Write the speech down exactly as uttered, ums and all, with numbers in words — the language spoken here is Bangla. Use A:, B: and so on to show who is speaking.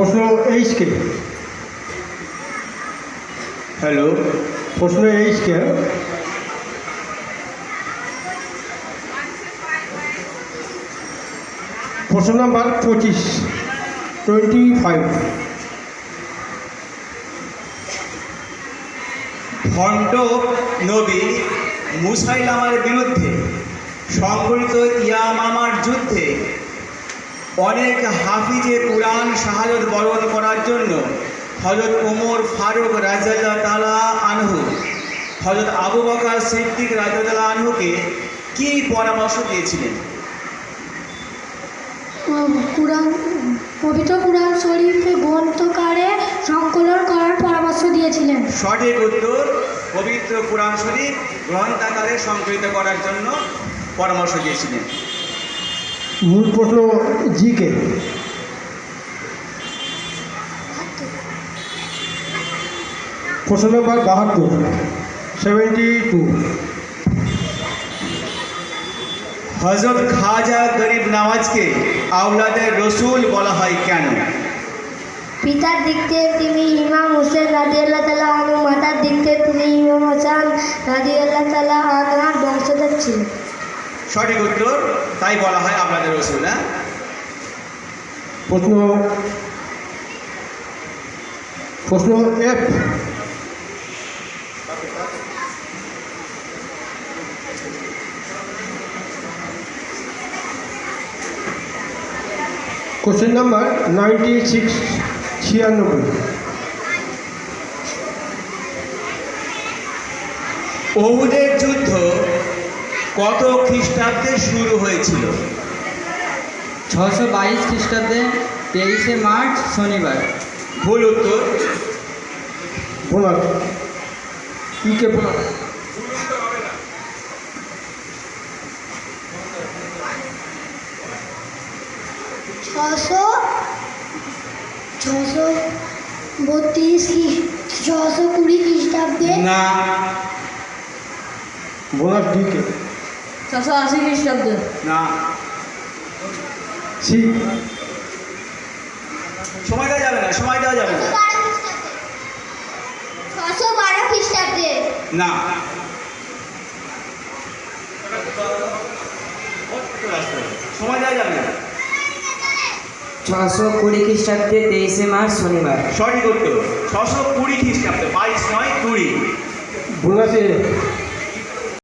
A: প্রশ্ন এইচ কে। হ্যালো, প্রশ্ন এইচ কে। প্রশ্ন নাম্বার পঁচিশ, টোয়েন্টি ফাইভ।
B: ভণ্ড নবী মুসাইলামার বিরুদ্ধে সংঘটিত ইয়ামামার যুদ্ধে অনেক হাফিজে কুরআন শাহাদত বরণ করার জন্য হযরত ওমর ফারুক রাদিয়াল্লাহু তাআলা আনহু হযরত আবু বকর সিদ্দিক রাদিয়াল্লাহু আনহুকে কী পরামর্শ দিয়েছিলেন?
C: কুরআন, পবিত্র কুরআন শরীফে গ্রন্থকারে সংকলন করার পরামর্শ দিয়েছিলেন।
B: সঠিক উত্তর, পবিত্র কুরআন শরীফ গ্রন্থাকারে সংকলিত করার জন্য পরামর্শ দিয়েছিলেন।
A: মূল প্রশ্ন জি কে। প্রশ্ন নাম্বার বাহাত্তর, সেভেন্টি টু।
B: হযরত খাজা গরিব নওয়াজকে আওলাদের রসুল বলা হয় কেন?
C: পিতার দিক থেকে তিনি ইমাম হোসেন রাদিয়াল্লাহু তাআলা আনহু, মাতার দিক থেকে তিনি ইমাম হাসান রাদিয়াল্লাহু তাআলা আনহার বংশধর ছিলেন।
B: সঠিক উত্তর, তাই বলা হয় আপনাদের রসুল। হ্যাঁ,
A: প্রশ্ন প্রশ্ন F. Question number ninety six, ছিয়ানব্বই।
B: ওহুদের যুদ্ধ কত খ্রিস্টাব্দে শুরু হয়েছিল?
D: ছশো বাইশ খ্রিস্টাব্দে তেইশে মার্চ শনিবার।
B: ভুল উত্তর।
A: Bonus E K bonus.
C: ছশো ছশো বত্রিশ ছশো কুড়ি খ্রিস্টাব্দে।
B: না,
A: বোনাস ডি কে।
C: ছশো আশি খ্রিস্টাব্দে।
B: না,
A: সি।
B: সময় দেওয়া যাবে না, সময় দেওয়া যাবে না।
C: ছশো বারো খ্রিস্টাব্দে।
B: না, সময় দেওয়া যাবে না।
D: ছশো কুড়ি খ্রিস্টাব্দে তেইশে মার্চ শনিবার।
B: সঠিক উত্তর, ছশো কুড়ি খ্রিস্টাব্দে, বাইশ নয় কুড়ি।
A: বোনাস এ।